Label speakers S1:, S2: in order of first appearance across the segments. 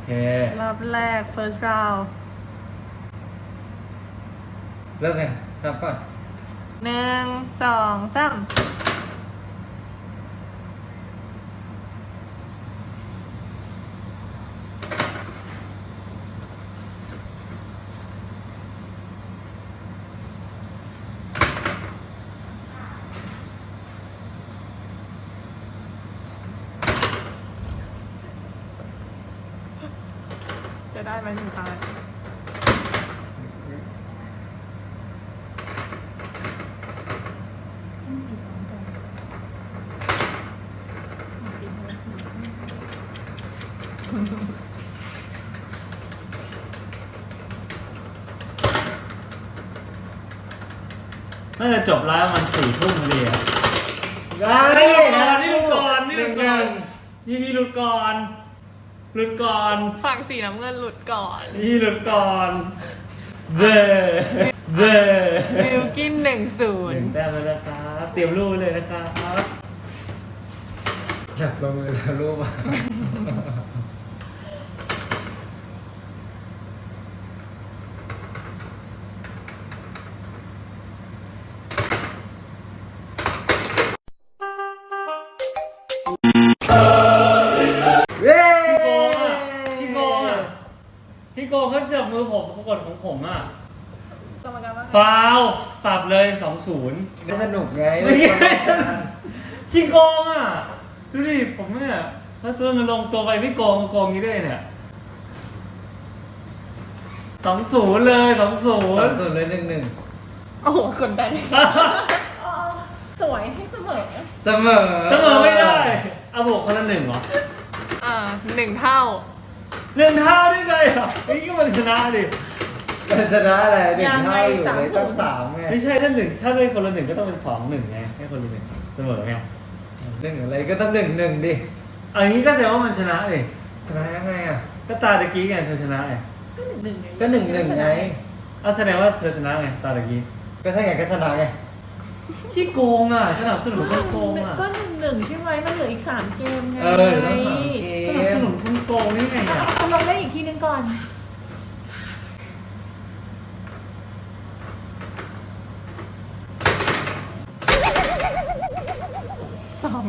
S1: รอบแรก first round
S2: เริ่มยังนับก่อน
S1: 1 2 3จะได้ไหมถึงตาย
S3: น่าจะจบแล้วมัน4 ทุ่มพอดีอะ
S2: ได้
S3: นี่หลุดก่อนนี่หลุดก่อนนี่หลุดก่อนหลุดก่อน
S1: ฝั่งสีน้ำเงินหลุดก่อน
S3: นี่หลุดก่อนเบ้เบ้
S1: บิลกิน1-0
S3: 1 แต้มแล้วนะครับเตรียมรูปเลยนะครับ
S2: อยากลงมือแล้วรูปมาเย้
S3: พี่โกเขาจับมือผมปรากฏของผมอ่ะ
S1: กรรมการว่า
S3: ฟาวปรับเลย 2-0
S2: ไม่สนุกไง
S3: ไม่ใช่พี่โกงอ่ะดูดิผมเนี่ยถ้าตัวมันลงตัวไปพี่โกงโกงงี้ได้เนี่ย 2-0 เลย 2-0
S2: เลย1-1
S1: โอ้โหกดดันสวยให้เสมอ
S2: เสมอ
S3: เสมอไม่ได้เอาบวกคนละ1เหรอ
S1: 1 เท่า
S3: 1 เท่าได้ไงอ่ะเฮ้ยก็มันชนะดิ
S2: ชนะอะไร1 เท่าอยู่เลยต้อง3ไง
S3: ไม่ใช่ถ้า1ถ้าได้คนละ1ก็ต้องเป็น2-1ไงให้คนละ1เสมอไง
S2: 1อะไรก็ต้อง1-1ดิ
S3: อันนี้ก็แสดงว่ามันชนะดิ
S2: ชนะยังไงอ่ะ
S3: ก็ตาตะกี้ไงเธอชนะไง
S2: ก็1-1ไง
S3: เอาแสดงว่าเธอชนะไงตาตะกี้
S2: ก็ใช่ไงก็ชนะไง
S3: ขี้โกงอ่ะสนับสนุนคนโกงอ่ะ
S1: ก็1-1ใช่ไหมมันเหลืออีก3 เกมไง
S2: เดี๋ยวต้อง3เก
S3: สนับส
S2: ม
S3: นุนคนโกงนี่ไงอ่ะ
S1: เอาลงได้อีกทีนึงก่อนสอง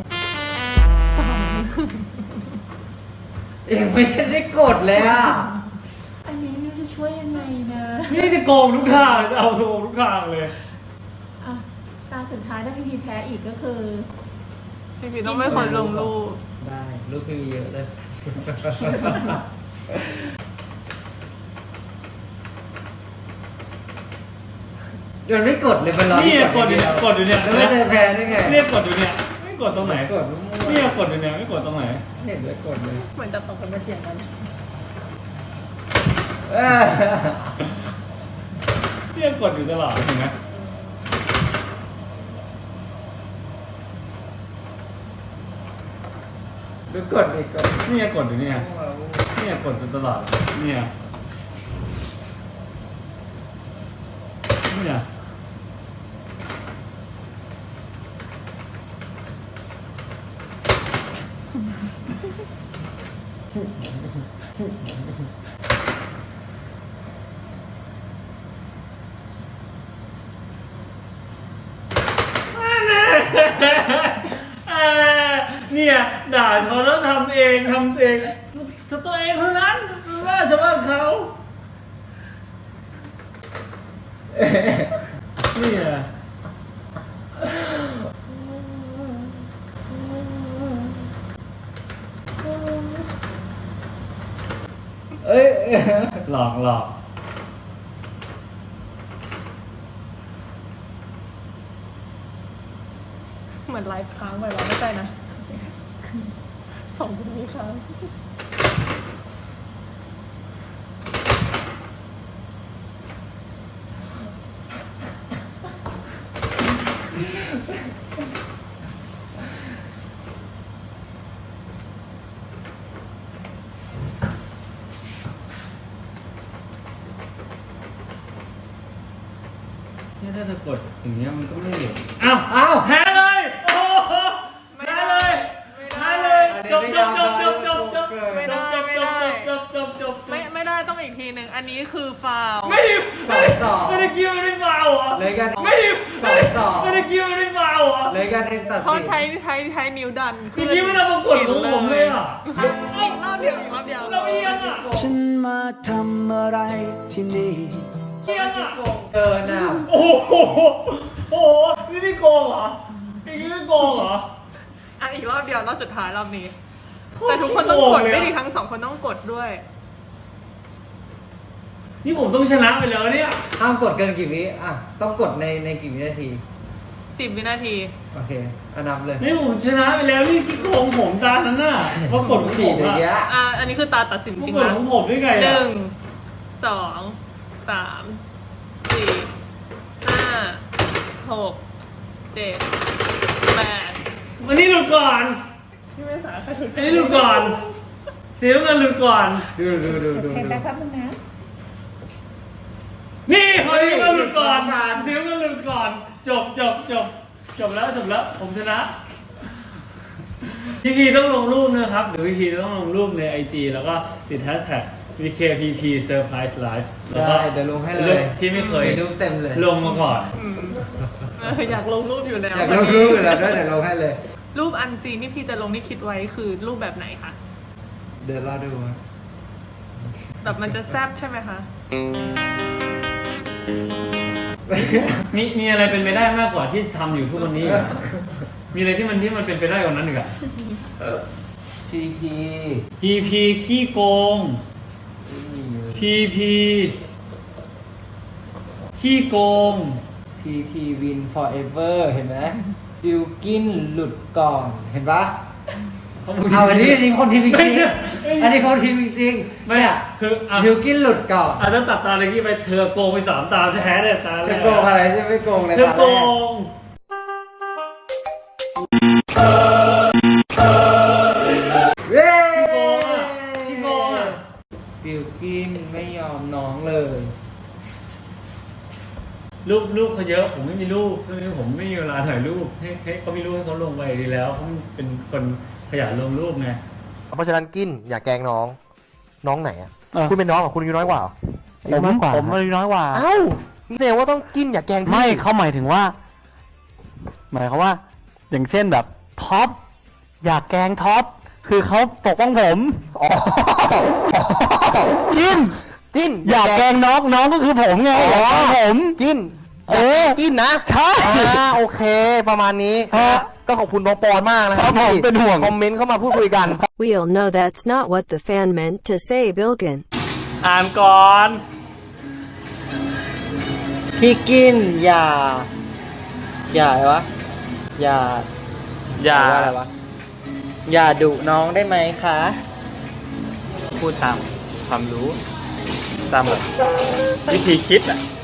S2: ยังไม่ได้กดเลยอ่ะ
S1: อันนี้มิวจะช่วยยังไงนะ
S3: นี่จะโกงทุกทางเอาโกงทุกทางเลย
S1: อ่ะตาสุดท้ายถ้าพี่พีแพ้อีกก็คือพี่พีต้องไม่คนลงรูป
S2: ได้รูปพี่มีเยอะเลย ยังไม่กดเลยมันรอ
S3: นี่กดอยู่เนี่ยกดอยู่เนี่ย
S2: แล้วไม่ได้แพ้ได้ไง
S3: เนี่ยกดอยู่เนี่ยไม่กดตรงไหน
S2: กด
S3: เนี่ยกดอยู่เนี่ยไม่กดตรงไหน
S2: เห็นเลยกดเลย
S1: เหมือนจับ2 คนมาเถียงกัน
S3: เนี่ยกดอยู่ตลอดเห็นไหม
S2: ดูกดอีกกด
S3: เนี่ยกดอยู่เนี่ยเนี่ยกดอยู่ตลอดเนี่ยเนี่ยเนี่ยด่าเขาแล้วทำเองตัวเองเท่านั้นว่าจะว่าเขาเนี่ย
S2: เอ้ย
S3: หลอก
S1: เหมือนไลฟ์ค้างไปแล้วไม่ใช่นะ2 คนนี้ค้าง
S3: เนี่ยถ้าจะกดอย่างเงี้ยมันก็ไม่เหลืออ้าวแพ้เลยโอ้โหแพ้เลยจบ
S1: ไม่ได้ทีหนึ่งอันนี้คือฟาว
S3: ไม่ได้
S2: 2-2
S3: ไม่ได้คิดว่าไม่ได้ฟาวเหรอ
S2: เลยกัน
S3: ไม่ได้
S2: 2-2
S3: ไม่ได้คิดว่าไม่ได้ฟาวเหรอ
S2: เลยกันหนึ่งตัด
S1: เขา
S2: สิน
S1: ใช้นิ้วดัน
S3: คือคิดว่าเราประกวดของผมเลยอ่ะ
S1: อีกรอบเดียวอีกรอบเดียว
S3: เราเอียงอ่ะ
S4: ฉันมาทำอะไรที่นี่
S3: เอียงอ่ะ
S2: เออหน้า
S3: โอ้โหโอ้โหนี่ไม่โกงเหรออีกนี่ไม่โกงเหรอ
S1: อ่ะอีกรอบเดียวรอบสุดท้ายรอบนี้ แต่ทุกคนต้องกดไม่ดีทั้ง2 คนต้องกดด้วย
S3: นี่ผมต้องชนะไปแล้วเนี่ย
S2: ห้ามกดเกินกี่วิอ่ะต้องกดในกี่วินาที
S1: 10 วินาที
S2: โอเคนับเลย
S3: นี่ผมชนะไปแล้วนี่ที่โกงผมตานั้นน่ะว่ากดของผ
S2: สี่
S3: ม
S2: เดี๋ยว
S3: อ่ะ
S2: เนี้ย
S1: อันนี้คือตาตัดสินจ
S3: ว่า
S1: ริง
S3: กด
S1: นะ
S3: ของผมได้ไง
S1: ห
S3: อ่ะ
S1: นึ่งสองสามสี่ห้าหกเจ็ดแปด
S3: วันนี้หลุดก่อน
S1: พี่ไม่สาค่ะชุด
S3: อันนี้หลุดก่อนเสียเงินหลุดก่อน
S2: ดู
S1: เห็นไหมครับมึงนะ
S3: นี่คนนี้ก็หลุดก่อนเสียเงินหลุดก่อนจบแล้วผมชนะพี่พีต้องลงรูปนะครับเดี๋ยวพี่พีต้องลงรูปใน IG แล้วก็ติดแฮชแท็ก VKPP Surprise Live แล้วก็
S2: ได้เดี๋ยวลงให้เลย
S3: ที่ไม่เคย
S2: รูปเต็มเลย
S3: ลงมาก่อน
S1: อยากลงรูปอยู่แล้ว
S2: อยากลงรูปอยู่แล้วด้วยเดี๋ยวลงให้เลย
S1: รูปอันซีนที่พี่จะลงที่คิดไว้คือรูปแบบไหนคะ
S2: เดี๋ยวรอดู
S1: แบบมันจะแซ่บใช่ไหมคะ
S3: มีอะไรเป็นไปได้มากกว่าที่ทำอยู่ทุกวันนี้อีกอะมีอะไรที่มันเป็นไปได้กว่านั้นอีกอะ
S2: PP
S3: PP ขี้โกง PP ขี้โกง
S2: PP win forever เห็นไหมบิวกินหลุดก่อนเห็นปะเอาอันนี้คนทีมจริงๆอันนี้คนทีมจริงๆ
S3: ไม่
S2: เนี่ย
S3: คืออ่ะ
S2: บิวกินหลุดก่อน
S3: อาจจะตัดตาเลยที่ไปเธอโกงไป3 ตาแท้เนี่ยตาแร
S2: จะ
S3: ก
S2: โกงอะไรใช่ไม่โกงเลย
S3: เธอ
S2: ตา
S3: โก
S2: แรก
S3: ง
S2: เย้
S3: ขี้โกงอ่ะ
S2: บิวกินไม่ยอมน้องเลย
S3: รูปเขาเยอะผมไม่มีรูปช่วงนี้ผมไม่มีเวลาถ่ายรูปให้เขามีรูปให้เขาลงไปดีแล้วเขาเป็นคนขยันลงรูปไง
S5: เพราะฉะนั้นกินอย่าแกล้งน้องน้องไหนอ่ะ
S6: เออ
S5: คุณเป็นน้องกับคุณอายุน้อยกว่าเหรอ
S6: ผมอายุน้อยกว่า
S5: เอ้านี่แสดงว่าต้องกินอย่าแกล้งพี่
S6: ไม่เขาหมายถึงว่า หมายเขามว่า อย่างเช่นแบบท็อปอยากแกล้งท็อปคือเขาปกป้องผม
S5: อ๋อ
S6: กิน
S5: กิน
S6: อยากแกล้งน้องก็คือผมไงอยากแกล้งผม
S5: กิน
S6: เออ
S5: กินนะ
S6: ใช่
S5: โอเค ประมาณนี้
S6: ฮะ
S5: ก็ขอบคุณน้องปอนมากนะค
S6: ครั
S5: รับบ
S6: ผม
S5: ที่
S6: เป็นห่วง
S5: คอมเมนต์เข้ามาพูดคุยกัน
S7: We all know that's not what the fan meant to say, Bilgin.
S3: อ่านก่อน
S8: พี่กินอย่าอะไรวะอย่า
S3: อย่า
S8: ว่าอะไรวะอย่าดุน้องได้ไหมคะ
S3: พูดตามความรู้ ตามแบบวิธีคิดอ่ะ